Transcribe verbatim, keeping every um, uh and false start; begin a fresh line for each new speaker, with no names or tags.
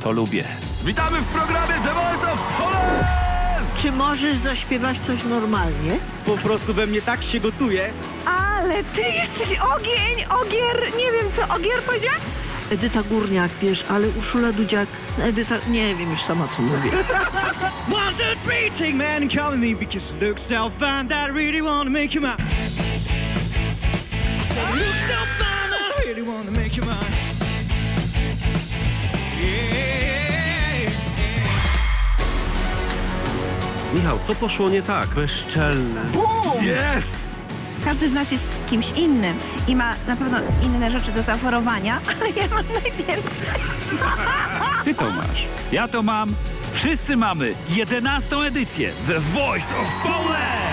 To lubię.
Witamy w programie The Voice of Poland!
Czy możesz zaśpiewać coś normalnie?
Po prostu we mnie tak się gotuje.
Ale ty jesteś ogień, ogier, nie wiem co, ogier powiedziała?
Edyta Górniak, wiesz, ale Urszula Dudziak, Edyta, nie wiem już sama co mówię.
One, two, three, take man and call me because you look so fine that I really wanna make you mine. I said you look so fine that I really wanna make you mine. Yeah.
Michał, co poszło nie tak? Bezczelne.
Yes!
Każdy z nas jest kimś innym i ma na pewno inne rzeczy do zaoferowania, ale ja mam najwięcej.
Ty to masz. Ja to mam. Wszyscy mamy jedenastą edycję The Voice of Poland!